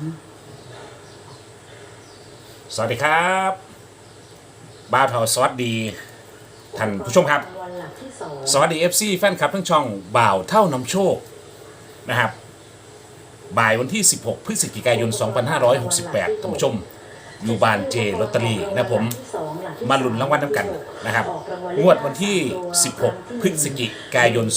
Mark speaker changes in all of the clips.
Speaker 1: สวัสดีครับบ้าวเทาสวัสดีท่านผู้ชมครับสวัสดี FC แฟนคลับทั้งช่องบ่าวเท่านำโชคนะครับบ่ายวันที่ 16 พฤศจิกายน 2568ท่านผู้ชมอยู่บ้านเจลอตเตอรี่นะผมมาลุ้นรางวัลน้ำกันนะครับงวดวันที่ 16 พฤศจิกายน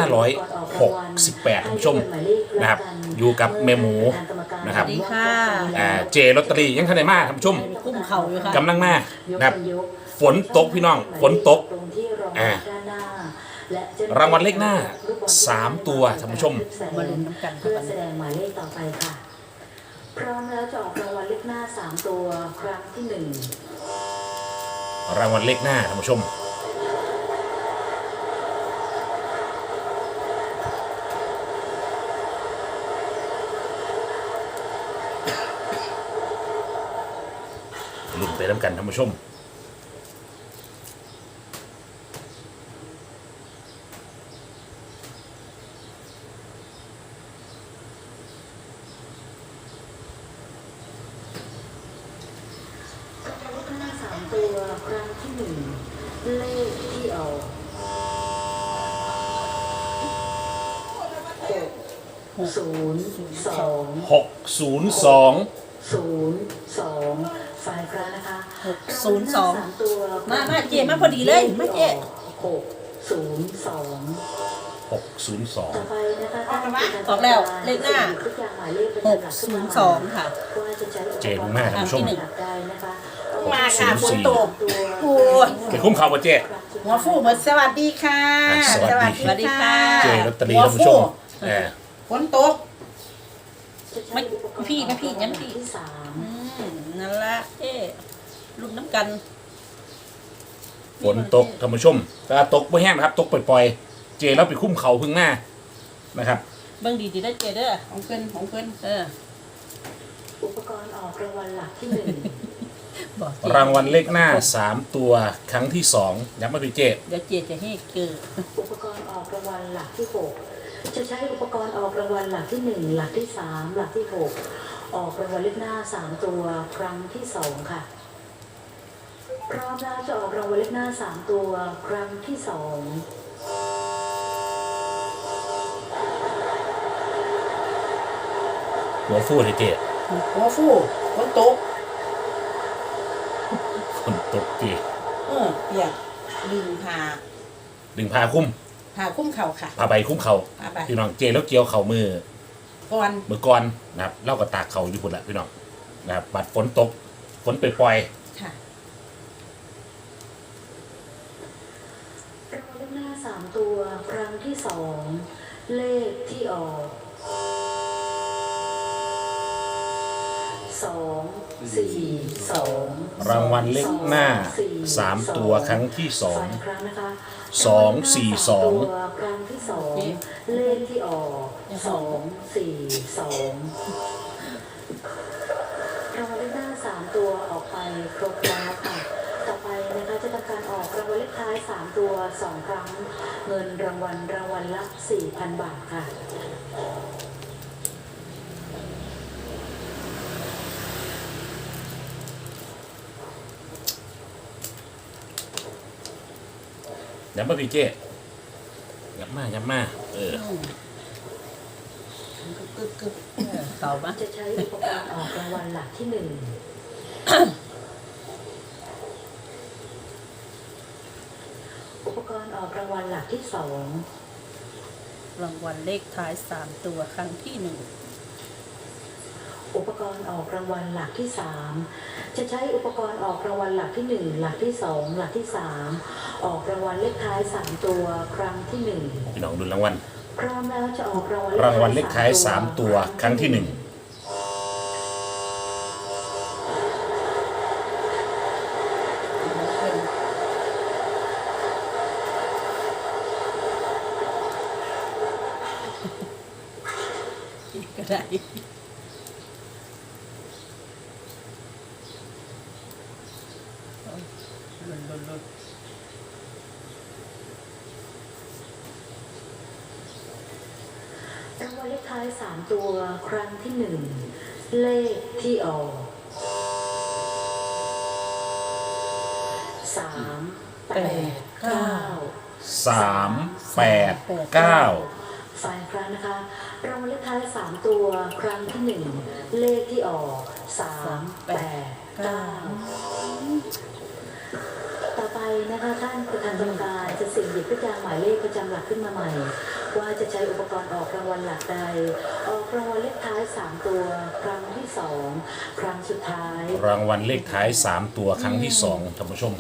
Speaker 1: 2568ท่านผู้ชมนะครับอยู่กับแม่หมูนะครับเจลอตเตอรี่ยังทันได้มาท่านผู้ชม
Speaker 2: กุ้มเข่าอยู่ค่ะ
Speaker 1: กำลังมานะครับฝนตกพี่น้องฝนตกรางวัลเลขหน้า3ตัวท่านผู้ชม
Speaker 2: มาลุ้นน้ำกัน
Speaker 3: เพื่อแสดงหมายเลขต่อไปค่ะพร้อมแล้วจะออกรางวัลเลขหน้า3ตัวครั้งที่1
Speaker 1: รางวัลเลขหน้าท่านผู้ชมลุ้นไปน้ำกันท่านผู้ชม
Speaker 3: ตัวครั้งที่1เลขที่ออก602ฝ่ายครั้งนะคะ
Speaker 2: 602
Speaker 3: ตัว
Speaker 2: มาเจมาพอดีเลยมาเจ
Speaker 3: 602ต่อไปนะคะ
Speaker 2: ออกแล้วเลขหน้า602ค่ะ
Speaker 1: เจดูแม่ท่านผู้ชม
Speaker 2: มาค่ะฝนตกโอ้ย
Speaker 1: เกิดคุ้มข่าวป่ะเจ
Speaker 2: หัวฟูเหมือนสวัสดีค่ะ
Speaker 1: สวัสดีค่ะเจลอตเตอรี่ท่านผู้ชม
Speaker 2: ฝนตกไม่พี่นะพี่งั้นพี่นั่นละลุ้นน้ำกัน
Speaker 1: ฝนตกท่านผู้ชมแต่ตกไม่แห้งนะครับตกปล่อยๆเจแล้วไปคุ้มเข่าพึ่งหน้านะครับ
Speaker 2: เบิ่งดีๆได้เจเด้อของเพิ่น
Speaker 3: อุปกรณ์ออกรางวัลหลักที่1
Speaker 1: รางวัลเลขหน้า3ตัวครั้งที่2ย้ำมาพี่เจ
Speaker 2: เดี๋ยวเจจะให้เกิด
Speaker 3: อุปกรณ์ออกรางวัลหลักที่6จะใช้อุปกรณ์ออกรางวัลหลักที่1หลักที่3หลักที่6ออกรางวัลเลขหน้า3ตัวครั้งที่2ค่ะพร้อมแล้วจะออกรางวัลเลขหน้า3ตัวครั้งที่2
Speaker 1: หัวฟูเลยเจ
Speaker 2: หัวฟูฝนตก
Speaker 1: ฝนตกเจ
Speaker 2: เปียกดึง
Speaker 1: ผ้าคุ้ม
Speaker 2: เข่าค่ะ
Speaker 1: ผ้าใบคุ้มเข่าพี่น้องเจแล้วเกี่ยวเข่ามือ
Speaker 2: ก่
Speaker 1: อนนะครับเล่ากับตากเข่าอยู่พุ่นละพี่น้องนะครับบัดฝนตกฝนปล่อย
Speaker 2: ค่ะ
Speaker 3: รางวัลเลขหน้า3ตัวครั้งที่2เลขที่ออก242
Speaker 1: รางวัลเลขหน้า3ตัวครั้งที่2 242
Speaker 3: ครั้งที่2เลขที่ออก242รางวัลเลขหน้า3ตัวออกไปครบแล้วค่ะต่อไปนะคะจะทำการออกรางวัลเลขท้าย3ตัว2ครั้งเงินรางวัลละ 4,000 บาทค่ะ
Speaker 1: ย้ำมาพี่เจย้ำมา
Speaker 2: เข่าปะ
Speaker 3: จะใช้อุปกรณ์ออกรางวัลหลักที่1อุปกรณ์ออกรางวัลหลักที่2
Speaker 2: รางวัลเลขท้าย3ตัวครั้งที่1
Speaker 3: อุปกรณ์ออกรางวัลหลักที่3จะใช้อุปกรณ์ออกรางวัลหลักที่1หลักที่2หลักที่3ออกรางวัลเลขท้าย3ตัวครั้งที่1
Speaker 1: พี่น้องดูรางวัล
Speaker 3: พร้อมแล้วจะออกราง
Speaker 1: วัลเลขท้าย3ตัวครั้งที่1
Speaker 2: ก็ได้ลุ้น
Speaker 3: รางวัลเลขท้าย3ตัวครั้งที่1 เลขที่ออก389 ฝ่ายครั้งนะคะรางวัลเลขท้าย3ตัวครั้งที่1เลขที่ออก389ต่อไปนะคะท่านประธานกรรมการจะเสี่ยงหยิบลูกยางหมายเลขประจำหลักขึ้นมาใหม่ว่าจะใช้อุปกรณ์ออกรางวัลหลักใดออกรางวัลเลขท้าย3ตัวครั้งที่2ครั้งสุดท้าย
Speaker 1: รางวัลเลขท้าย3ตัวครั้งที่2ท่านผู้ชม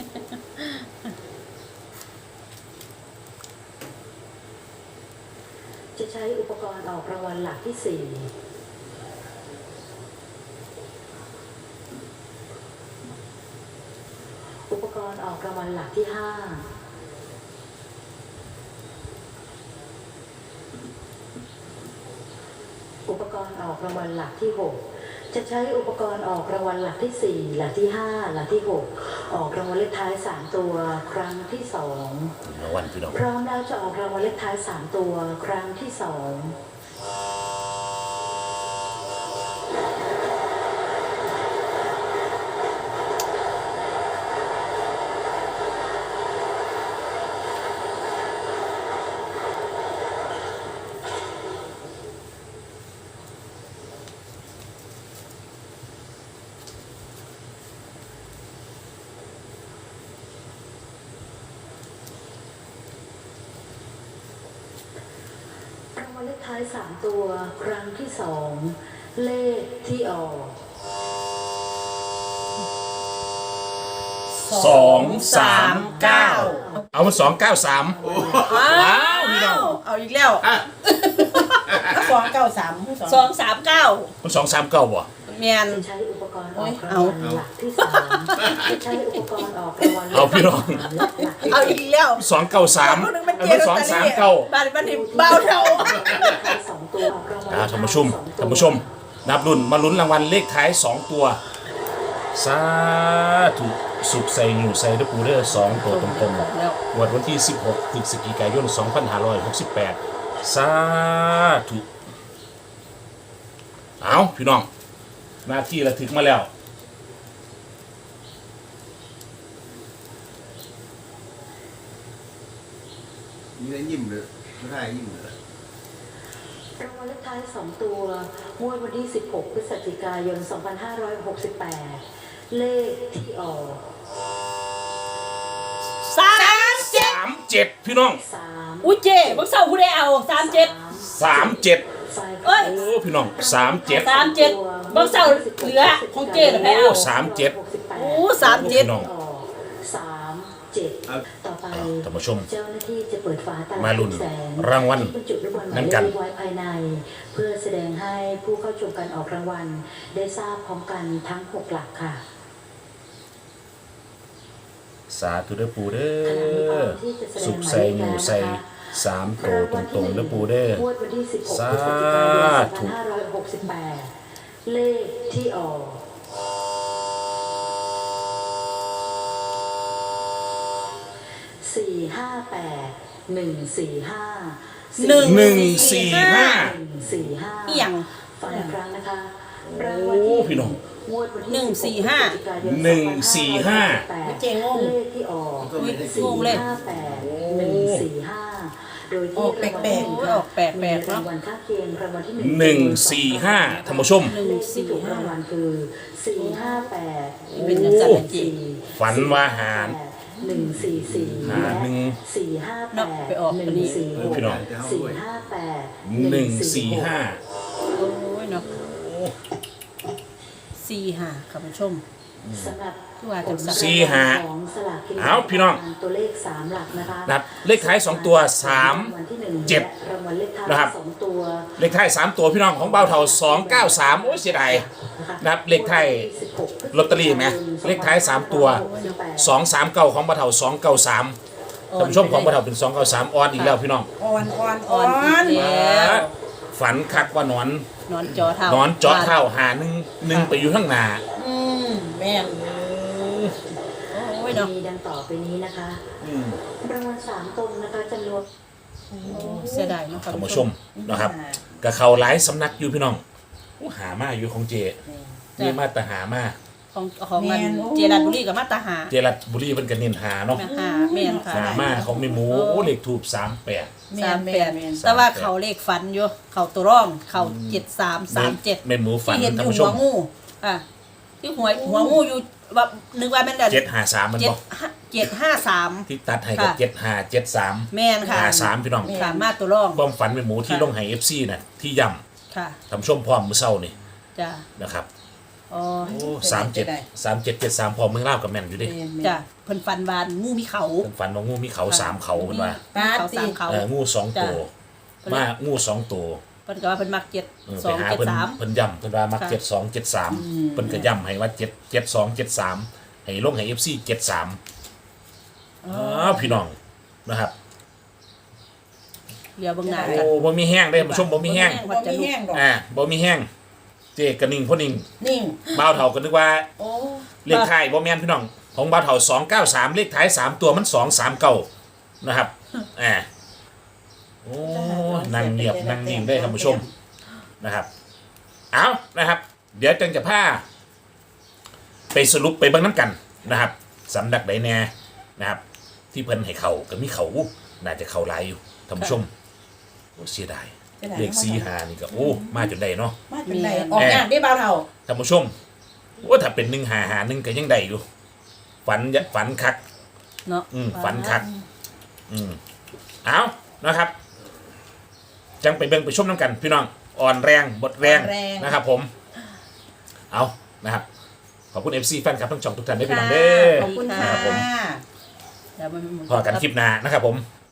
Speaker 3: จะใช้อุปกรณ์ออกรางวัลหลักที่4อุปกรณ์ออกรางวัลหลักที่5อุปกรณ์ออกรางวัลหลักที่6จะใช้อุปกรณ์ออกรางวัลหลักที่4หลักที่5หลักที่6ออกรางวัลเลขท้าย3ตัวครั้งที่2
Speaker 1: รางวัลพี่น้อง
Speaker 3: พร้อมแล้วจะออกรางวัลเลขท้าย3ตัวครั้งที่2รางวัลเลขท้าย3ตัวครั้งที่2เลขที่ออก
Speaker 1: 239เอามา293
Speaker 2: อ้าว
Speaker 1: พี่น้อง
Speaker 2: เอาอีกแล้ว293 239
Speaker 1: มัน239บ่
Speaker 2: แม่น
Speaker 3: จะใช้อุปกรณ์ออกรางวัลหลักที่3จะใช้อุปกรณ์ออกรางวัล
Speaker 1: เอาพี่น้อง
Speaker 2: เอาอีกแล้ว
Speaker 1: 293
Speaker 2: คนนึงมัน
Speaker 1: อัน
Speaker 2: เจ๊
Speaker 1: นี้
Speaker 2: ลอตเตอรี่บ้านมันนี่เบาเท่า
Speaker 3: 2ตัวออกรางวัล
Speaker 1: ท่านผู้ชมนับรุ่นมาลุ้นรางวัลเลขท้าย2ตัวสาธุสุขใส่อยู่ใส่ด้วยปูเด้อ2ตัวตรงๆวันที่16พฤศจิกายน2568สาธุเอาพี่น้องหน้าที่ระทึกมาแล้ว
Speaker 4: มีอะไรยิ้มเลยไม่ได้ยิ้มเลย
Speaker 3: รางวัลเลขท้าย2ตัวงวดวันที่16พฤศจิกายน2568เลขที่ออก
Speaker 1: 37พี่น้อง
Speaker 3: 3
Speaker 2: อุ้ยเจ๊บักเศร้าผู้ใดเอา37
Speaker 1: 37
Speaker 3: ฝ่าย
Speaker 2: เอ้ย
Speaker 1: โอ้พี่น้อง37
Speaker 2: 37บักเศร้าเหลือของเจ๊เหรอแม่เอา
Speaker 1: 37
Speaker 2: โอ้37
Speaker 1: พี่น้อง
Speaker 3: ออก37ต่อไป
Speaker 1: ท่านผู้ชม
Speaker 3: เจ้าหน้าที่จะเปิดฝาตลับ
Speaker 1: มาลุ้น
Speaker 3: แสง
Speaker 1: รางวัล
Speaker 3: ที่บรรจุลูกบอลหมาย
Speaker 1: นั้น
Speaker 3: เล
Speaker 1: กัน
Speaker 3: ขไว้ภายใน เพื่อแสดงให้ผู้เข้าชมการออกรางวัล ได้ทราบพร้อมกันทั้ง6หลักค่ะ
Speaker 1: สาธุเด้อปูเด้
Speaker 3: ขณะนี้พร้
Speaker 1: อ
Speaker 3: อมที่จะแสด
Speaker 1: สุ
Speaker 3: ง
Speaker 1: ข
Speaker 3: หมาย
Speaker 1: ใส่
Speaker 3: เลข
Speaker 1: หมู
Speaker 3: แล้ว
Speaker 1: ใส่
Speaker 3: นะคะ
Speaker 1: 3โตวตรงๆเด้อปูเด้อง
Speaker 3: วดวันที่16พฤศ
Speaker 1: สา
Speaker 3: จิกายน
Speaker 1: ธุ
Speaker 3: 2568เลขที่ออก458 145
Speaker 1: 145
Speaker 2: อีหยัง
Speaker 3: ฟังอีกครั้งนะคะรางวัลที่
Speaker 1: โอ้พี่น้อง
Speaker 3: งวดวันที่
Speaker 2: 145
Speaker 3: 145
Speaker 2: เจ๊งง
Speaker 3: เลขที่ออก
Speaker 2: งงเลย
Speaker 3: 458 145 โดย
Speaker 2: อ
Speaker 3: ที่
Speaker 2: อกแปลกๆออกแปลกๆ
Speaker 3: มี
Speaker 2: เนาะ
Speaker 3: รางวัลข้างเคียงรางวัลที่
Speaker 1: 145ท่านผู้ชม
Speaker 3: เลขที่ถูกรางวัลคือ458
Speaker 2: เป็นจังซั่นแหละเจ๊
Speaker 1: ฝันว่าหาร
Speaker 3: 144
Speaker 1: หารหนึ่ง
Speaker 3: 458
Speaker 2: เนาะไปออกอันนี้
Speaker 3: 146
Speaker 1: พี่น้อง
Speaker 3: 458
Speaker 1: 145
Speaker 2: โอ้ยเนาะ45ค่ะผู้ชม
Speaker 3: สำหรับ
Speaker 2: คือว่าจังซั่น
Speaker 1: 45
Speaker 3: ของสลากกินแบ่ง
Speaker 1: เอาพี่น้อง
Speaker 3: ตัวเลข3หลักนะคะ
Speaker 1: นับเลขท้าย2ตัว
Speaker 3: รางวัลที่หนึ่ง
Speaker 1: เจ็ด
Speaker 3: และรางวัลเลขท้าย
Speaker 1: นะครับ
Speaker 3: 2ตัว
Speaker 1: เลขท้าย3ตัวพี่น้องของเบาเท่า293โอ้ยเสียดาย นับเลขท้ายลอตเตอรี่ไหมเลขท้าย3ตัว 239ของเบาเท่า293ท่านผู้ชมของเบาเท่าเป็น293ออนอีกแล้วพี่น้อง
Speaker 2: อ่อนอีกแล้ว
Speaker 1: ฝันคักว่าหนอน
Speaker 2: นอนจอเท่าน
Speaker 1: อนเจาะเท้าหาหนึ่งไปอยู่ข้างหน้า
Speaker 2: แม่นโอ้ยเนาะ
Speaker 3: มีดังต่อไปนี้นะคะรางวัล3ตรงนะคะจำนวน
Speaker 2: เสียดายเนาะค่ะ
Speaker 1: ท่านผู้ชมนะครับกับเขาหลายสำนักอยู่พี่น้องอู้หามาอยู่ของเจ
Speaker 2: จ้ะ
Speaker 1: นี่มาแต่หามา
Speaker 2: ของเงินเจรัญบุรีกับมาตาหา
Speaker 1: เจรัตบุรีเป็นกันเน้นหาเนาะ
Speaker 2: หาแม่นค่ะ
Speaker 1: หามาของไม่หมูโอ้เลขถูก38
Speaker 2: 38แต่ว่าเขาเลขฝันอยู่เขาตัวร่องเขา7337
Speaker 1: แม่หมูฝัน
Speaker 2: ที่เห็นอ
Speaker 1: ท่าน
Speaker 2: ยู่
Speaker 1: ผู้ช
Speaker 2: หัว
Speaker 1: ม
Speaker 2: งูที่หัวงูอยู่ว่านึกว่าแม่นแต่
Speaker 1: 753มันบ่
Speaker 2: 753
Speaker 1: ที่ตัดให้กับ
Speaker 2: ค่ะ
Speaker 1: 7573
Speaker 2: แม่นค่ะ
Speaker 1: 53พี่น้อง
Speaker 2: ค่ะมาตัวร่อง
Speaker 1: ความฝันแม่หมูที่ลงให้ FC น่ะที่ย่
Speaker 2: ค่ะ
Speaker 1: ำท่านผู้ชมพร้อมมื้อเช้านี่
Speaker 2: จ้ะ
Speaker 1: นะครับ
Speaker 2: อ๋อ
Speaker 1: โอ้3773พร้อมมือเล่ากับแม่นอยู่ดิ
Speaker 2: จ้ะเพิ่นฝันวานงูมีเขา
Speaker 1: เพิ่นฝันว่างูมีเขา3เขาเพิ่นว่า
Speaker 2: เขา3เขา
Speaker 1: งู2ตัว
Speaker 2: จ้ะ
Speaker 1: มางู2ตัว
Speaker 2: เพิ่นก็ว่าเพิ่นมัก7
Speaker 1: ไปหาเพิ่น
Speaker 2: 2
Speaker 1: เพิ่นย่ำเพิ่นว่ามัก
Speaker 2: ค่ะ
Speaker 1: 72 73เพิ่นก็ย่ำให้ว่า7 72 73ให้ลงให้ FC 73พี่น้องนะครับ
Speaker 2: 73เดี๋ยวเบิ่งหน้า
Speaker 1: โอ้
Speaker 2: กัน
Speaker 1: บ่มีแห้งเด้ผู้ชมบ่มีแห้ง
Speaker 2: บ่มีแห้งดอก
Speaker 1: บ่มีแห้งเจกระนิ่งพ่อนิ่ง
Speaker 2: นิ่ง
Speaker 1: บ่าวเฒ่าก็นึกว่า
Speaker 2: โอ้
Speaker 1: เลขท้ายบ่แม่นพี่น้องของบ่าวเฒ่า293เลขท้าย3ตัวมัน239นะครับโอ้นั่งเงียบนั่งนิ่งได้ท่านผู้ชมนะครับเอานะครับ เดี๋ยวจังจะพาไปสรุปไปเบิ่งน้ำกันนะครับสำนักใดแน่นะครับ ที่เพิ่นให้เขาก็มีเขาน่าจะเขาหลายอยู่ท่านผู้ชมโอ้เสียดายเลข45นี่ก็โอ้มาจนได้เนาะ
Speaker 5: มาจากไหนออกงานได้เบาเท่า
Speaker 1: ท่านผู้ชมว่าถ้าเป็น151ก็ยังได้อยู่ฝันคัก
Speaker 2: เนาะ
Speaker 1: ฝันคักเอานะครับ จังไปเบิ่งไปชมน้ำกัน พี่น้องอ่อนแรงบดแรงนะครับผมเอานะครับ ขอบคุณ FC แฟนคลับทั้งช่องทุกท่านด้วยพี่น้องเด้อ
Speaker 5: ขอบคุณค่ะ
Speaker 1: ครับผม
Speaker 2: เดี๋ยวมัน
Speaker 1: พอกันคลิปหน้านะครับผม